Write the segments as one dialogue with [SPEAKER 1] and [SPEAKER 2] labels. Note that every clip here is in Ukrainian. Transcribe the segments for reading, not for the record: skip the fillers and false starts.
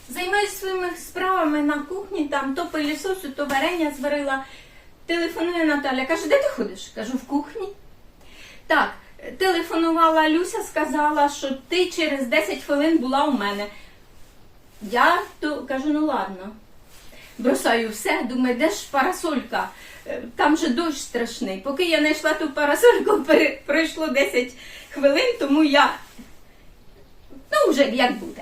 [SPEAKER 1] Займаюсь своїми справами на кухні, там то пилісосю, то варення зварила. Телефонує Наталя, каже, де ти ходиш? Кажу, в кухні. Так, телефонувала Люся, сказала, що ти через 10 хвилин була у мене. Я то кажу, ну ладно. Бросаю все, думаю, де ж парасолька? Там же дощ страшний. Поки я знайшла ту парасольку, пройшло 10 хвилин, тому я, ну вже як буде.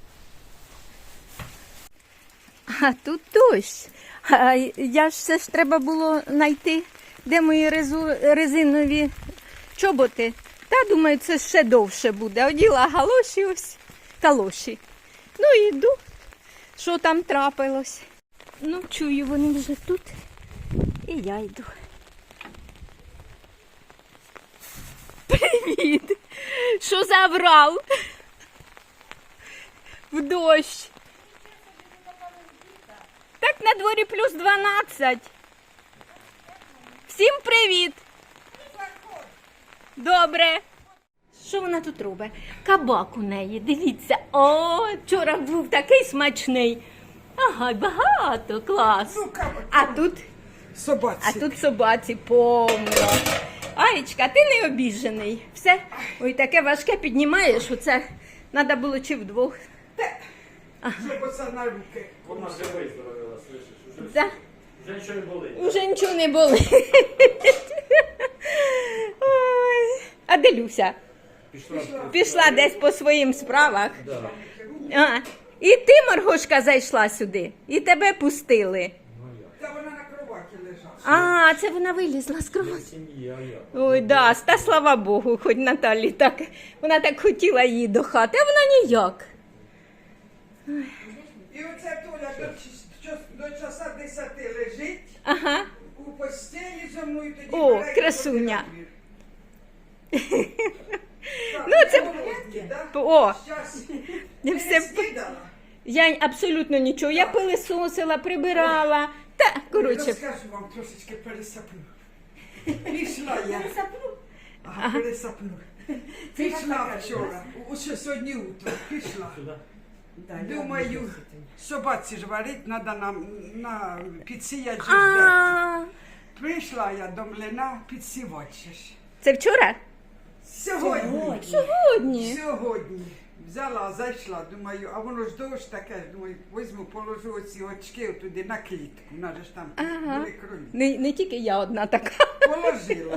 [SPEAKER 1] А тут дощ. А я ж все ж треба було знайти, де мої резинові чоботи. Та, думаю, це ще довше буде. Оділа галоші ось, калоші. Ну, йду. Що там трапилось? Ну, чую, вони вже тут. І я йду. Привіт! Що забрав? В дощ. Так на дворі плюс 12. Всім привіт! Добре. Що вона тут робить? Кабак у неї, дивіться. О, вчора був такий смачний. Ага, багато, клас.
[SPEAKER 2] Ну, кабак.
[SPEAKER 1] А тут?
[SPEAKER 2] Собаці.
[SPEAKER 1] А тут собаці повно. Аєчка, ти не обіжений. Все, ой, таке важке піднімаєш, оце треба було чи вдвох.
[SPEAKER 2] Щоб оце на руки.
[SPEAKER 3] Вона вже виздоровила, слышиш?
[SPEAKER 1] Да?
[SPEAKER 3] Вже нічого не болить.
[SPEAKER 1] Уже нічого не болить. Ой. А де Люся? Пішла десь по своїм справах.
[SPEAKER 3] Да.
[SPEAKER 1] А, і ти, Маргошка, зайшла сюди, і тебе пустили.
[SPEAKER 2] Та вона на кроваті лежала.
[SPEAKER 1] А, це вона вилізла з кровати.
[SPEAKER 3] Сім'я, я.
[SPEAKER 1] Ой, да, та слава Богу, хоч Наталі так, вона так хотіла її до хати, а вона ніяк.
[SPEAKER 2] І оце Толя до часа 10 лежить,
[SPEAKER 1] Ага.
[SPEAKER 2] у постелі зо мною тоді
[SPEAKER 1] О,
[SPEAKER 2] бере і
[SPEAKER 1] красуня.
[SPEAKER 2] ходить на двір. Так,
[SPEAKER 1] Ну, це-
[SPEAKER 2] голодні, да?
[SPEAKER 1] О,
[SPEAKER 2] Щас.
[SPEAKER 1] я
[SPEAKER 2] Ти
[SPEAKER 1] все...
[SPEAKER 2] не снідала?
[SPEAKER 1] Я абсолютно нічого, я пилисосила, прибирала, та, коротше.
[SPEAKER 2] Розкажу вам, трошечки пересаплю. Пішла я. Ага, пересаплю. Пішла вчора, усе сьогодні утро, пішла.
[SPEAKER 3] Сюди.
[SPEAKER 2] Думаю, собаці ж варить, треба нам на підсіяти ж дерті.
[SPEAKER 1] А,
[SPEAKER 2] Прийшла я до млина підсівати ж.
[SPEAKER 1] це вчора?
[SPEAKER 2] Сьогодні.
[SPEAKER 1] Сьогодні.
[SPEAKER 2] Сьогодні. Взяла, зайшла, думаю, а воно ж дощ таке, думаю, візьму, положу оці очки туди на клітку, вона ж там
[SPEAKER 1] Ага.
[SPEAKER 2] були кролі.
[SPEAKER 1] Не тільки я одна така.
[SPEAKER 2] Положила.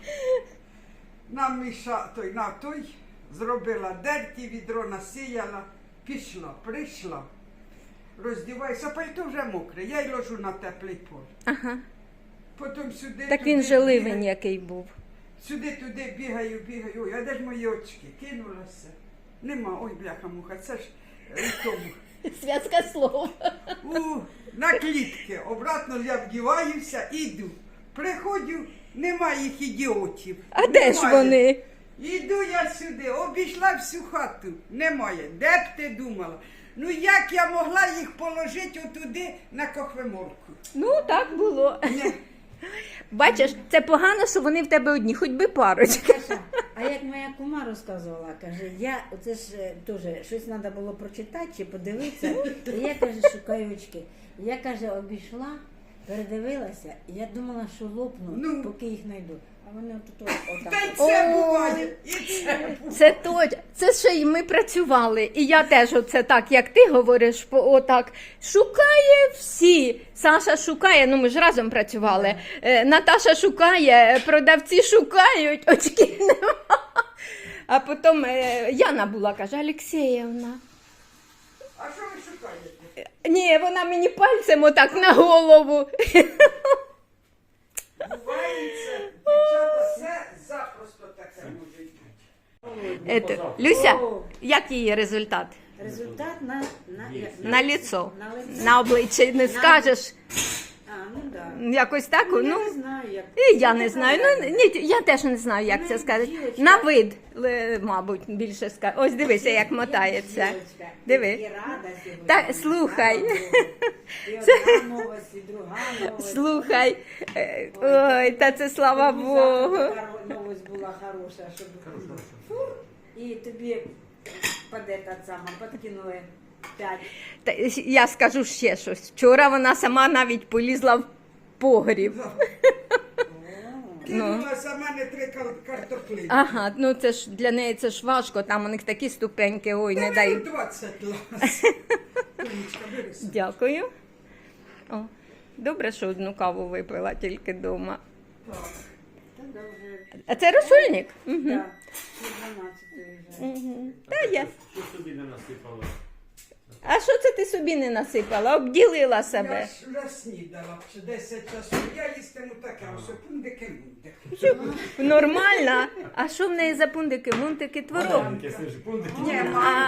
[SPEAKER 2] На той, зробила дерті, відро насіяла, пішла, прийшла. Роздіваюся, пальто вже мокре, я й ложу на теплий пол.
[SPEAKER 1] Ага.
[SPEAKER 2] Потім сюди.
[SPEAKER 1] Так
[SPEAKER 2] туди
[SPEAKER 1] він же ливень
[SPEAKER 2] бігаю.
[SPEAKER 1] який був.
[SPEAKER 2] Сюди-туди бігаю. Ой, а де ж мої очки? Кинулася. Нема, ой, бляха-муха, це ж в тому.
[SPEAKER 1] Зв'язка слов.
[SPEAKER 2] На клітки. Обратно я вдіваюся, іду. Приходжу, нема їх ідіотів.
[SPEAKER 1] А де ж
[SPEAKER 2] Немає.
[SPEAKER 1] вони?
[SPEAKER 2] Іду я сюди, обійшла всю хату. Немає. Де б ти думала? Ну як я могла їх положити отуди на кохвеморку?
[SPEAKER 1] Ну, так було.
[SPEAKER 2] Ні.
[SPEAKER 1] Бачиш, це погано, що вони в тебе одні, хоч би парочка.
[SPEAKER 4] Каже, а як моя кума розказувала, каже, я оце ж теж щось треба було прочитати чи подивитися. І я каже, шукаю очки. Я каже, обійшла, передивилася, і я думала, що лопну,
[SPEAKER 2] Ну.
[SPEAKER 4] поки їх знайду. А вони отут отак.
[SPEAKER 2] Та й
[SPEAKER 4] от.
[SPEAKER 2] це
[SPEAKER 1] Ой.
[SPEAKER 2] буває. І це буває.
[SPEAKER 1] Це точно. Це ще й ми працювали. І я теж оце так, як ти говориш, отак. Шукає всі. Саша шукає, ну ми ж разом працювали. Наташа шукає, продавці шукають, очки нема. А потім Яна була, каже, Алексєєвна.
[SPEAKER 2] А що ви шукаєте?
[SPEAKER 1] Ні, вона мені пальцем отак на голову.
[SPEAKER 2] Бувається, дівчата, все запросто таке може бути.
[SPEAKER 1] Люся, як її результат?
[SPEAKER 4] Результат
[SPEAKER 1] На лицо,
[SPEAKER 4] На лицо.
[SPEAKER 1] на обличчя не скажеш.
[SPEAKER 4] А, ну да.
[SPEAKER 1] Якось так,
[SPEAKER 4] Я
[SPEAKER 1] ну.
[SPEAKER 4] не знаю, як.
[SPEAKER 1] І я не знаю. Ну, ні, я теж не знаю, як це сказати.
[SPEAKER 4] Дівочка.
[SPEAKER 1] На вид, мабуть, більше сказати. Ось дивися, як мотається.
[SPEAKER 4] Дівочка,
[SPEAKER 1] Диви.
[SPEAKER 4] І рада сьогодні.
[SPEAKER 1] Та слухай.
[SPEAKER 4] І одна новость, і друга новость.
[SPEAKER 1] Слухай. Ой, та це слава
[SPEAKER 4] Тобі
[SPEAKER 1] Богу.
[SPEAKER 4] завтра така новость була хороша, щоб фур, і тобі підкинули 5.
[SPEAKER 1] Та, я скажу ще щось. Вчора вона сама навіть полізла в погріб.
[SPEAKER 2] Кинула за мене 3 картоплі.
[SPEAKER 1] Ага, ну це ж для неї це ж важко, там у них такі ступеньки, ой, не дай.
[SPEAKER 2] 20 лас. Тонечка, бери собі.
[SPEAKER 1] Дякую. О, добре, що одну каву випила тільки вдома.
[SPEAKER 2] Так.
[SPEAKER 4] Та вже.
[SPEAKER 1] А це розсольник? Угу.
[SPEAKER 4] Так, 12 вже.
[SPEAKER 1] Угу. Та я.
[SPEAKER 3] Що собі не насипала?
[SPEAKER 1] А що це ти собі не насипала? Обділила
[SPEAKER 2] Я
[SPEAKER 1] себе.
[SPEAKER 2] ж вже снідала, чи 10 часу. Я їстиму таке, ось пундики-мундики.
[SPEAKER 1] Нормально. А що в неї за пундики? Мунтики творог.
[SPEAKER 3] Маленьке, слышиш, пундики.
[SPEAKER 2] Ні,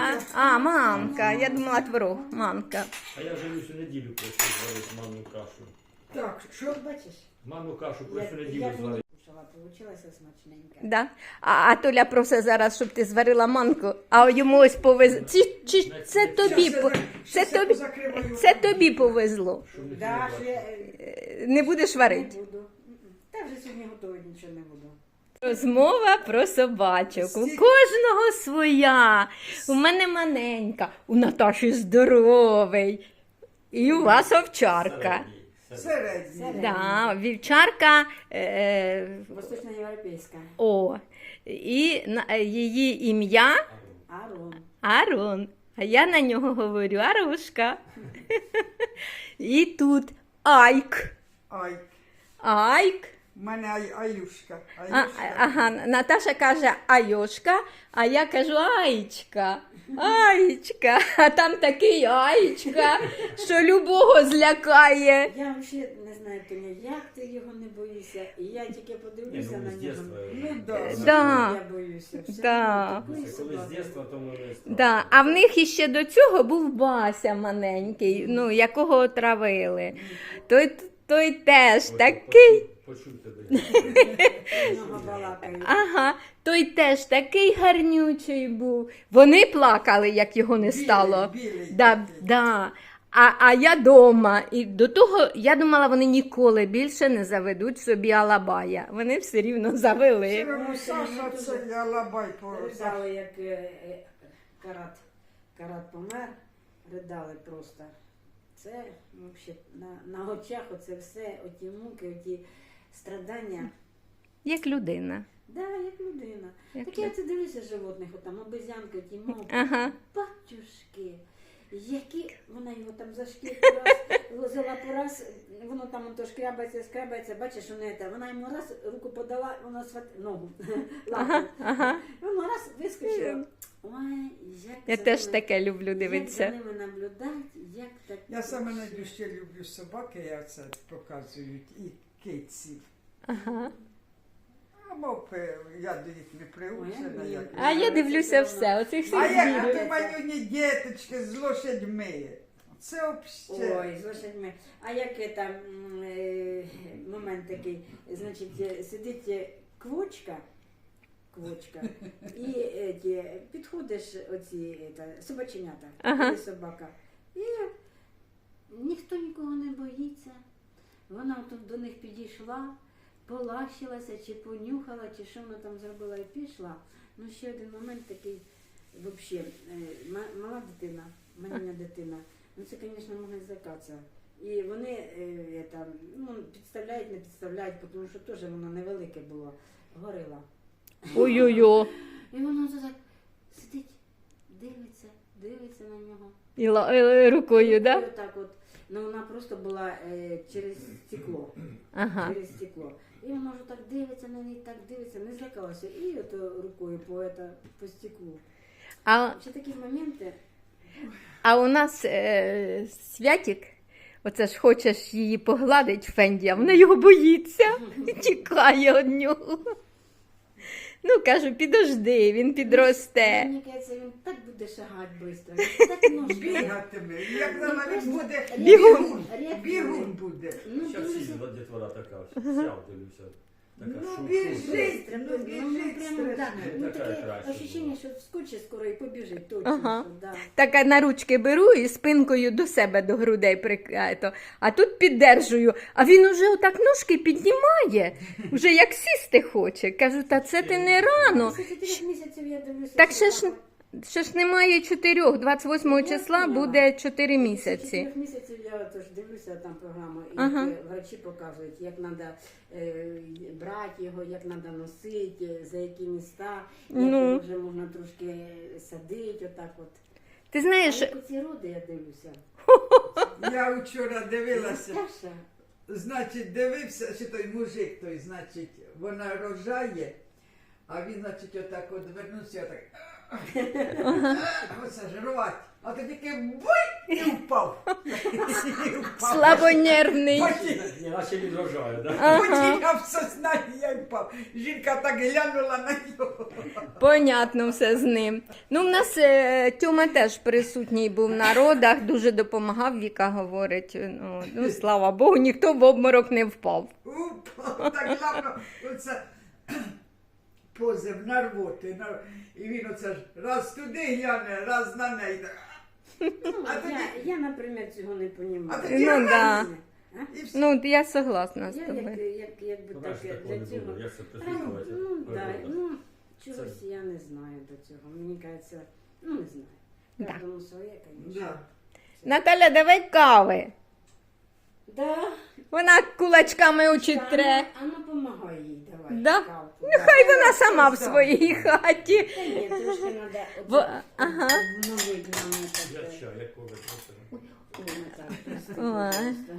[SPEAKER 1] Мамка. Я думала творог. Мамка.
[SPEAKER 3] А я вже всю неділю прошу зварити манну кашу.
[SPEAKER 2] Так, що?
[SPEAKER 4] Бачиш?
[SPEAKER 3] Манну кашу про всю неділю
[SPEAKER 4] Як
[SPEAKER 3] зварити.
[SPEAKER 4] кушала, получилася смачненька.
[SPEAKER 1] Да. А Толя просить зараз, щоб ти зварила манку, а йому ось повезло. Чи це тобі,
[SPEAKER 2] Щас я
[SPEAKER 1] тобі,
[SPEAKER 2] позакриваю.
[SPEAKER 1] це тобі повезло.
[SPEAKER 3] Щоб не
[SPEAKER 4] Да, що я
[SPEAKER 1] Не будеш
[SPEAKER 4] не
[SPEAKER 1] варити.
[SPEAKER 4] буду. Та вже сьогодні готові, нічого не буду.
[SPEAKER 1] Розмова про собачок. У кожного своя. У мене маленька, у Наташі здоровий. І у вас овчарка.
[SPEAKER 2] Середній.
[SPEAKER 1] Да, вівчарка.
[SPEAKER 4] Восточноєвропейська.
[SPEAKER 1] І її ім'я
[SPEAKER 4] Арон.
[SPEAKER 1] Арон. А я на нього говорю Арушка. І тут Айк.
[SPEAKER 2] Ай,
[SPEAKER 1] Айк.
[SPEAKER 2] в мене Аюшка.
[SPEAKER 1] Ага, Наташа каже Айошка, а я кажу Аїчка. Аїчка. А там такий Аїчка, що любого злякає.
[SPEAKER 4] Я взагалі не знаю, Тоня, як ти його не боїшся. І я тільки
[SPEAKER 3] Ні,
[SPEAKER 4] подивлюся
[SPEAKER 3] ну,
[SPEAKER 4] на
[SPEAKER 3] з
[SPEAKER 4] нього.
[SPEAKER 3] дєтства.
[SPEAKER 2] Ну да.
[SPEAKER 1] Да.
[SPEAKER 4] Я боюся. Все
[SPEAKER 1] Да.
[SPEAKER 4] одно такої
[SPEAKER 3] Коли з
[SPEAKER 4] собаки.
[SPEAKER 3] дєтства, то мене страшно.
[SPEAKER 1] Да. А в них іще до цього був Бася маленький, ну, якого отравили. Той теж
[SPEAKER 3] Ось,
[SPEAKER 1] такий.
[SPEAKER 3] Почув тебе.
[SPEAKER 4] Много балакають.
[SPEAKER 1] Ага, той теж такий гарнючий був. Вони плакали, як його не стало.
[SPEAKER 2] Білий.
[SPEAKER 1] Да. А я дома. І до того я думала, вони ніколи більше не заведуть собі алабая. Вони все рівно завели.
[SPEAKER 2] Сирому Саша, це я лабай по
[SPEAKER 4] Ридали, як Карат помер, ридали просто. Це взагалі на очах оце все, оті муки, оті страдання.
[SPEAKER 1] Як людина.
[SPEAKER 4] Да, як людина.
[SPEAKER 1] Як
[SPEAKER 4] Так я це дивлюся животних, отам обезьянки, ті мовки,
[SPEAKER 1] Ага.
[SPEAKER 4] батюшки, які вона його там за шкірку раз взяла по раз, воно там ото шкрябається, бачиш, вона йому раз руку подала, воно ногу, лапу. Воно раз вискочило. Ой, як
[SPEAKER 1] Я
[SPEAKER 4] за
[SPEAKER 1] теж
[SPEAKER 4] ними-
[SPEAKER 1] таке люблю
[SPEAKER 4] Як
[SPEAKER 1] дивитися.
[SPEAKER 4] за ними наблюдати, як так.
[SPEAKER 2] Я саме найбільше люблю собаки, я це показують, і киців.
[SPEAKER 1] Ага.
[SPEAKER 2] А мовпи, я до їх не приучена.
[SPEAKER 4] Ой,
[SPEAKER 2] як
[SPEAKER 1] А я дивлюся все, оцих
[SPEAKER 2] А
[SPEAKER 1] всіх
[SPEAKER 2] як
[SPEAKER 1] звірів.
[SPEAKER 2] ти манюні діточки з лошадьми? Це взагалі.
[SPEAKER 4] Ой, з лошадьми. А як там момент такий, значить, сидить квочка, і підходиш оці собаченята,
[SPEAKER 1] Ага.
[SPEAKER 4] і собака. І ніхто нікого не боїться. Вона тут до них підійшла, полащилася, чи понюхала, чи що вона там зробила і пішла. Ну, ще один момент такий, взагалі, мала дитина, маленька дитина. Ну, це, звісно, можна злякатися. І вони підставляють, не підставляють, тому що теж воно невелике було, горила.
[SPEAKER 1] Ой-ой-ой.
[SPEAKER 4] І воно так сидить, дивиться на нього.
[SPEAKER 1] І рукою,
[SPEAKER 4] І
[SPEAKER 1] да?
[SPEAKER 4] отак от. Ну, вона просто була через стекло.
[SPEAKER 1] Ага.
[SPEAKER 4] Через стекло. І воно вже так дивиться на неї, так дивиться, не злякалася. І ото рукою по стеклу.
[SPEAKER 1] А
[SPEAKER 4] Ще такі моменти.
[SPEAKER 1] А у нас Святік, оце ж хочеш її погладить Фенді, а вона його боїться, тікає від нього. Ну, кажу, підожди, він підросте.
[SPEAKER 4] Мені кажеться, він так буде шагати швидко, так ножки.
[SPEAKER 2] Бігатиме. Як вона він буде
[SPEAKER 1] Бігун.
[SPEAKER 2] бігун буде.
[SPEAKER 4] Ну,
[SPEAKER 3] Зараз всі
[SPEAKER 4] дивлюся.
[SPEAKER 3] дітвора така, вся дивлюся. Така
[SPEAKER 2] Ну,
[SPEAKER 3] шу-шу.
[SPEAKER 2] біжить.
[SPEAKER 4] Ну, прямо, да. Ну,
[SPEAKER 3] Така
[SPEAKER 4] таке
[SPEAKER 3] краще
[SPEAKER 4] ощущення,
[SPEAKER 3] була.
[SPEAKER 4] що вскочить скоро і побіжить, точно,
[SPEAKER 1] Ага.
[SPEAKER 4] що, да.
[SPEAKER 1] Так на ручки беру і спинкою до себе, до грудей а тут піддержую. А він уже отак ножки піднімає, вже як сісти хоче. Кажу, та це ти не рано.
[SPEAKER 4] Після 4 місяців я дивлюся.
[SPEAKER 1] Так
[SPEAKER 4] що
[SPEAKER 1] ще ж,
[SPEAKER 4] так
[SPEAKER 1] ще ж немає 4, 28 числа буде 4 місяці.
[SPEAKER 4] 4 місяців я тож дивлюся там програму, і
[SPEAKER 1] Ага.
[SPEAKER 4] врачі показують, як треба брати його, як треба носити, за які міста, як
[SPEAKER 1] Ну.
[SPEAKER 4] його вже можна трошки садити, отак от.
[SPEAKER 1] Ти
[SPEAKER 4] А
[SPEAKER 1] знаєш,
[SPEAKER 4] як оці роди я дивлюся.
[SPEAKER 2] Я вчора дивилася.
[SPEAKER 4] Саша,
[SPEAKER 2] Значить, дивився, що той мужик, той, значить, вона рожає, а він, значить, отак от вернувся, отак. Оце ж рвать. А то тільки буй і впав. І впав.
[SPEAKER 1] слабонервний.
[SPEAKER 3] Наче відражає, да?
[SPEAKER 2] Потім в сознанні я впав. Жінка так глянула на нього.
[SPEAKER 1] Понятно все з ним. Ну, в нас Тьома теж присутній був на родах, дуже допомагав, Віка говорить. Ну, слава Богу, ніхто в обморок не впав.
[SPEAKER 2] Упав, так главно, оце позив на рвоти. І він оце ж раз туди гляне, раз на неї. А тоді,
[SPEAKER 4] я, наприклад, цього не розумію.
[SPEAKER 2] а тоді
[SPEAKER 1] Ну,
[SPEAKER 2] раз,
[SPEAKER 1] да.
[SPEAKER 2] і все.
[SPEAKER 1] Ну, я согласна з
[SPEAKER 4] Я
[SPEAKER 1] тобою.
[SPEAKER 4] якби
[SPEAKER 3] Ну,
[SPEAKER 4] так
[SPEAKER 3] бачиш, такого
[SPEAKER 4] для
[SPEAKER 3] не
[SPEAKER 4] цього.
[SPEAKER 3] було. Як це
[SPEAKER 4] Ну,
[SPEAKER 3] прислуховується?
[SPEAKER 4] да, чогось я не знаю до цього. Мені кажеться, не знаю.
[SPEAKER 1] Да.
[SPEAKER 4] Кожному своє, звісно.
[SPEAKER 2] Да.
[SPEAKER 1] Наталя, давай кави.
[SPEAKER 4] Да.
[SPEAKER 1] Вона кулачками очі тре.
[SPEAKER 4] А ну помагай їй, давай.
[SPEAKER 1] Да?
[SPEAKER 4] кавку,
[SPEAKER 1] Нехай вона сама в своїй хаті.
[SPEAKER 4] Та ні, трошки
[SPEAKER 1] В-
[SPEAKER 4] треба
[SPEAKER 1] ага.
[SPEAKER 4] обновити нам
[SPEAKER 3] Я
[SPEAKER 4] так.
[SPEAKER 3] чай, якого ви
[SPEAKER 4] Ой, Наталя, прости,
[SPEAKER 1] Ой.
[SPEAKER 4] пожалуйста.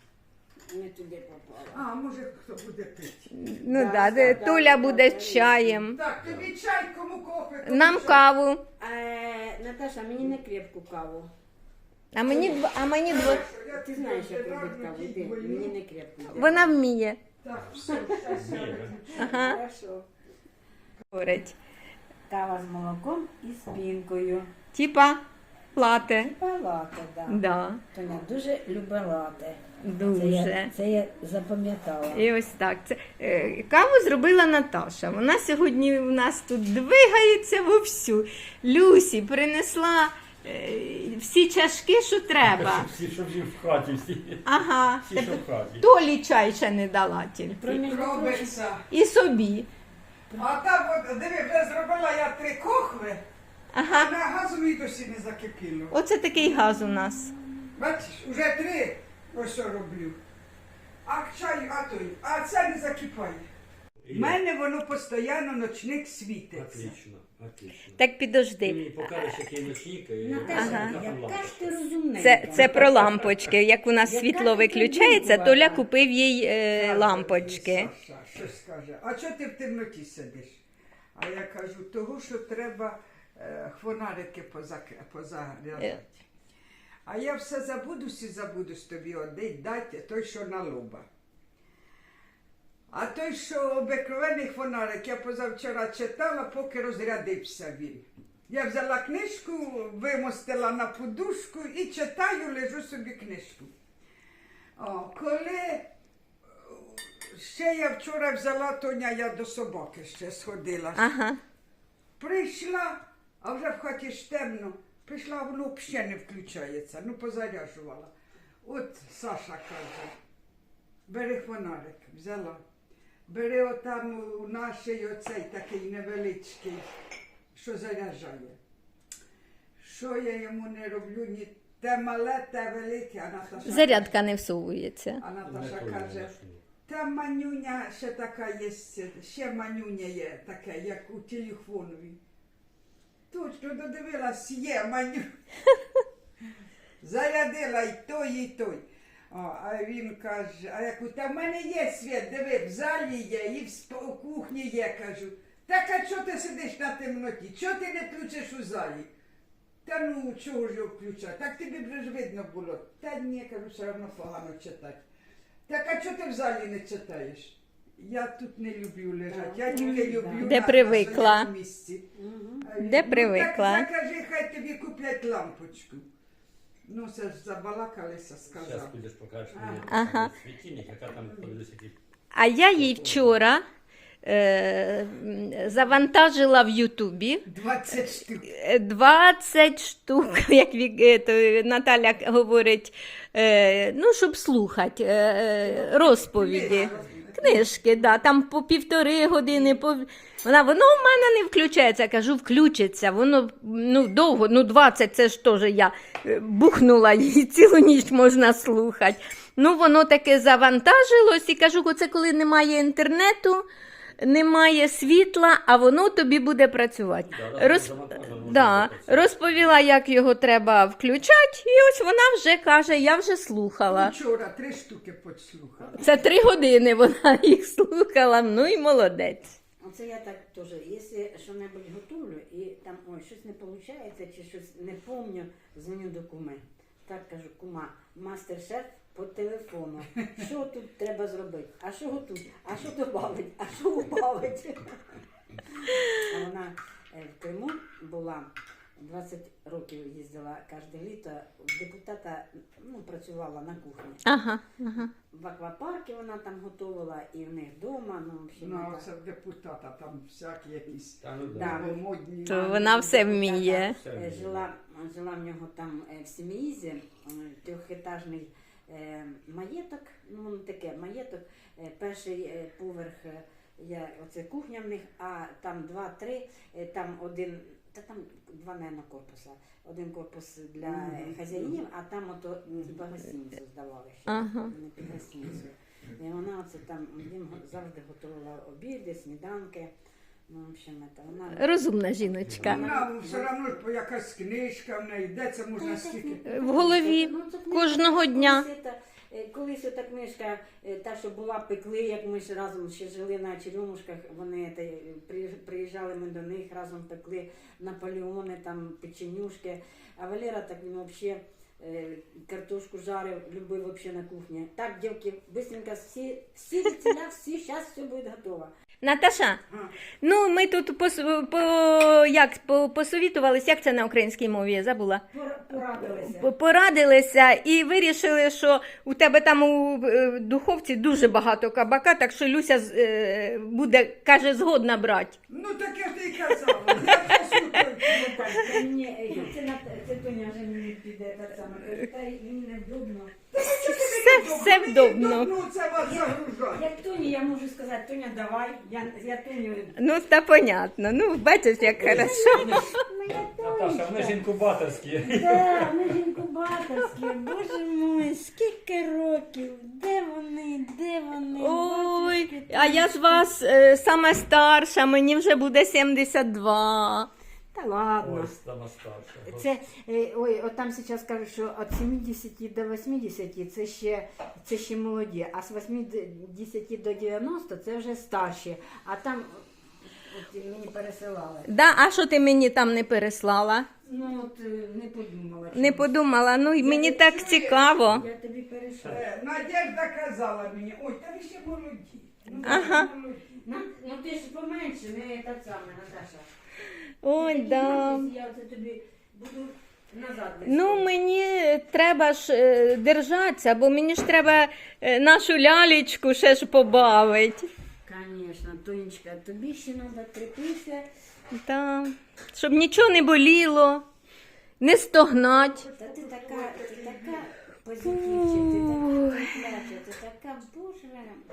[SPEAKER 4] Не туди попала.
[SPEAKER 2] А, може хто буде пити.
[SPEAKER 1] Ну
[SPEAKER 4] Да,
[SPEAKER 1] да,
[SPEAKER 4] да,
[SPEAKER 1] Туля
[SPEAKER 4] да,
[SPEAKER 1] буде
[SPEAKER 4] да,
[SPEAKER 1] з чаєм.
[SPEAKER 2] Так, тобі чай, кому кофе, кому
[SPEAKER 1] Нам
[SPEAKER 2] чай.
[SPEAKER 1] каву.
[SPEAKER 4] Наташа, мені не крепку каву.
[SPEAKER 1] А мені дво...
[SPEAKER 2] Я
[SPEAKER 4] Ти
[SPEAKER 2] тобі
[SPEAKER 4] знаєш, як
[SPEAKER 2] одразу
[SPEAKER 4] робити каву.
[SPEAKER 2] ті
[SPEAKER 4] Іди,
[SPEAKER 2] двойну.
[SPEAKER 4] мені не крепку.
[SPEAKER 1] Вона вміє.
[SPEAKER 2] Так, все, щас я
[SPEAKER 3] Ні,
[SPEAKER 2] виключу.
[SPEAKER 1] Ага.
[SPEAKER 4] Хорошо.
[SPEAKER 1] Говорить.
[SPEAKER 4] Кава з молоком і з пінкою.
[SPEAKER 1] Типа лате.
[SPEAKER 4] Палата, да.
[SPEAKER 1] Да,
[SPEAKER 4] Тоня дуже любить лате.
[SPEAKER 1] дуже.
[SPEAKER 4] Це я запам'ятала.
[SPEAKER 1] І ось так. Каву зробила Наташа. Вона сьогодні у нас тут двигається вовсю. Люсі принесла всі чашки, що треба.
[SPEAKER 3] Всі, що всі в хаті, всі.
[SPEAKER 1] Ага.
[SPEAKER 3] Всі, що в хаті.
[SPEAKER 1] Толі чай ще не дала тільки.
[SPEAKER 2] Робиться.
[SPEAKER 1] І собі.
[SPEAKER 2] А там, от, диви, вже зробила я 3 кохви, а
[SPEAKER 1] Ага.
[SPEAKER 2] на газу мені досі не закипіло.
[SPEAKER 1] Оце такий газ у нас.
[SPEAKER 2] Бачиш, уже 3 ось що роблю. А чай, а це не закипає. У мене воно постійно ночник світиться.
[SPEAKER 3] Отлично, отлично.
[SPEAKER 1] Так
[SPEAKER 3] Ти
[SPEAKER 1] підожди.
[SPEAKER 3] мені покажеш, який ночник, і
[SPEAKER 4] Наташа,
[SPEAKER 1] Ага.
[SPEAKER 4] яка ж ти розумненька.
[SPEAKER 1] Це про лампочки. Як у нас
[SPEAKER 4] Яка
[SPEAKER 1] світло
[SPEAKER 4] ти
[SPEAKER 1] виключається,
[SPEAKER 4] придумала?
[SPEAKER 1] Толя купив їй лампочки.
[SPEAKER 2] Саша щось каже, а чого ти в темноті сидиш? А я кажу, того, що треба хвонарики позаряджати. А я все забудусь тобі один дати той, що на лоба. А той, що обикновений фонарик, я позавчора читала, поки розрядився він. Я взяла книжку, вимостила на подушку і читаю, лежу собі книжку. Коли ще я вчора взяла Тоня, я до собаки ще сходила.
[SPEAKER 1] Ага.
[SPEAKER 2] Прийшла, а вже в хаті ж темно. Прийшла, а воно взагалі не включається. Ну, позаряджувала. От Саша каже, бери фонарик, взяла. Бери отам у нашій оцей такий невеличкий, що заряджає. Що я йому не роблю, ні те мале, те велике, а Наташа,
[SPEAKER 1] Зарядка не всовується.
[SPEAKER 2] а Наташа каже, та манюня ще така є, ще манюня є таке, як у телефонові. Точно додивилась, є маню. Зарядила і той, і той. А він каже, а я кажу, та в мене є світ, диви, в залі є, і у кухні є, кажу. Так, а чого ти сидиш на темноті? Чого ти не включиш у залі? Та ну, чого ж його включати? Так тобі б ж видно було. Та ні, кажу, все одно погано читати. Так, а чого ти в залі не читаєш? Я тут не люблю лежати, я тільки люблю
[SPEAKER 1] Де
[SPEAKER 2] на
[SPEAKER 1] привикла.
[SPEAKER 2] своєму місці. А він,
[SPEAKER 1] Де
[SPEAKER 2] ну,
[SPEAKER 1] привикла.
[SPEAKER 2] Так закажи, хай тобі куплять лампочку. Ну, це ж забалакалися,
[SPEAKER 3] Зараз
[SPEAKER 2] сказав.
[SPEAKER 3] підеш, покажеш мені
[SPEAKER 1] Ага.
[SPEAKER 3] світильник, яка там подивись, який.
[SPEAKER 1] А я їй вчора завантажила в Ютубі
[SPEAKER 2] 20 штук.
[SPEAKER 1] 20 штук, як Наталя говорить, ну, щоб слухати розповіді. Книжки, да, там по 1,5 години, воно в мене не включається. Я кажу, включиться. Воно довго, 20, це ж теж я бухнула, і цілу ніч можна слухати. Воно таке завантажилось, і кажу, оце коли немає інтернету, немає світла, а воно тобі буде працювати. Розповіла, як його треба включати, і ось вона вже каже, я вже слухала.
[SPEAKER 2] Вчора 3 штуки підслухала.
[SPEAKER 1] Це 3 години вона їх слухала, і молодець.
[SPEAKER 4] Оце я так теж, якщо що-небудь готовлю і там щось не виходить чи щось не пам'ятаю, дзвоню до куми. Так кажу, кума, мастер-шеф по телефону. Що тут треба зробити? А що готуть? А що добавить? А що убавить? А вона в Криму була, 20 років їздила кожне літо, в депутата працювала на кухні.
[SPEAKER 1] Ага.
[SPEAKER 4] В аквапарку вона там готувала і в них вдома.
[SPEAKER 2] Це депутата, там всякі якісь
[SPEAKER 4] Да.
[SPEAKER 2] модні.
[SPEAKER 1] То вона все вміє.
[SPEAKER 4] Жила в нього там в Сім'їзі, 3-етажний маєток, таке маєток, перший поверх, оце кухня в них, а там 2-3, там один, там 2, наверное, корпуса. Один корпус для хазяїнів, а там хіба гостиницю здавали ще, не під гостиницю. І вона оце там їм завжди готувала обіди, сніданки. В общем, вона...
[SPEAKER 1] Розумна жіночка.
[SPEAKER 2] Вона все одно якась книжка в неї, де це можна скільки?
[SPEAKER 1] В голові кожного дня.
[SPEAKER 4] Колись ота книжка, та, що була, пекли, як ми ж разом ще жили на Черемушках, вони приїжджали ми до них, разом пекли Наполеони, там печенюшки. А Валера так він взагалі картошку жарив, любив взагалі на кухні. Так, дівки, быстренько всі відціля, зараз все буде готово.
[SPEAKER 1] Наташа, ми тут посовітувалися, як це на українській мові, я забула. Порадилися і вирішили, що у тебе там у духовці дуже багато кабака, так що Люся буде, каже, згодна брати.
[SPEAKER 2] Так я ж ти й казала, я послухаю.
[SPEAKER 4] Це Тоня вже мені піде так само, та мені невдобно.
[SPEAKER 1] Все вдобно.
[SPEAKER 2] Це вас загружає.
[SPEAKER 4] Як Тоні, я можу сказати, Тоня, давай, я Тоню...
[SPEAKER 1] Та понятно, бачиш, як хорошо.
[SPEAKER 3] Наташа, вони ж інкубаторські.
[SPEAKER 4] Так, вони ж інкубаторські, боже мой, скільки років, де вони?
[SPEAKER 1] Ой, а я ж вас сама старша, мені вже буде 72.
[SPEAKER 4] Та ладно.
[SPEAKER 3] Ось сама старша.
[SPEAKER 4] Це, от там зараз кажуть, що від 70 до 80 це ще молоді, а з 80 до 90 це вже старші. А там от мені пересилали.
[SPEAKER 1] Да, а що ти мені там не переслала?
[SPEAKER 4] Не подумала.
[SPEAKER 1] Не подумала, мені так цікаво.
[SPEAKER 4] Я тобі перейшла.
[SPEAKER 2] Надежда казала мені, ой, та ви ще молоді.
[SPEAKER 1] Ага.
[SPEAKER 4] Ти ж поменше, не та саме, Наташа.
[SPEAKER 1] Ой, да.
[SPEAKER 4] Я це тобі буду назад.
[SPEAKER 1] Мені треба ж держатися, бо мені ж треба нашу лялечку ще ж побавити.
[SPEAKER 4] Звісно, Тонечка, тобі ще треба терпітися.
[SPEAKER 1] Да. Щоб нічого не боліло, не стогнать.
[SPEAKER 4] Та ти така позитивча, ти така боже.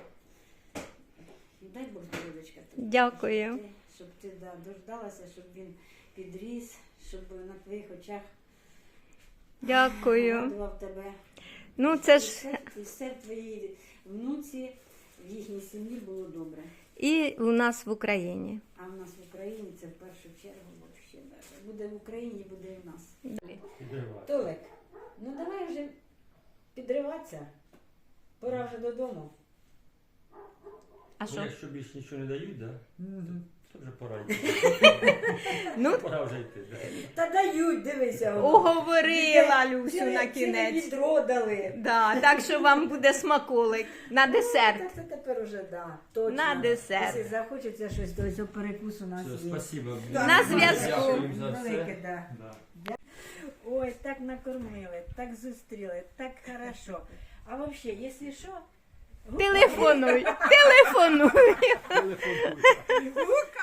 [SPEAKER 4] Дай Бог здоров'ячка тобі.
[SPEAKER 1] Дякую.
[SPEAKER 4] Щоб ти дождалася, щоб він підріс, щоб на твоїх очах
[SPEAKER 1] Дякую.
[SPEAKER 4] радував тебе.
[SPEAKER 1] Це ж
[SPEAKER 4] І все в твоїй внуці, в їхній сім'ї було добре.
[SPEAKER 1] і у нас в Україні.
[SPEAKER 4] А в нас в Україні це в першу чергу взагалі. Буде в Україні, буде і в нас. Толик, давай вже підриватися. Пора вже додому.
[SPEAKER 1] А що?
[SPEAKER 3] Якщо більше нічого не дають, да? То вже пора йти. Пора вже йти.
[SPEAKER 4] Та дають, дивися.
[SPEAKER 1] Уговорила Люсю на
[SPEAKER 4] Ціле
[SPEAKER 1] кінець.
[SPEAKER 4] відро дали.
[SPEAKER 1] Да, так що вам буде смаколик на десерт.
[SPEAKER 4] Це тепер уже, точно.
[SPEAKER 1] На десерт.
[SPEAKER 4] Якщо захочеться щось, то ось перекусу у нас
[SPEAKER 3] Все,
[SPEAKER 4] є.
[SPEAKER 3] спасибо.
[SPEAKER 1] На зв'язку.
[SPEAKER 3] Дякуємо за
[SPEAKER 4] Велике,
[SPEAKER 3] все.
[SPEAKER 4] да. Ой, так накормили, так зустріли, так хорошо. А взагалі, якщо що,
[SPEAKER 1] Телефонуй.
[SPEAKER 3] Телефон.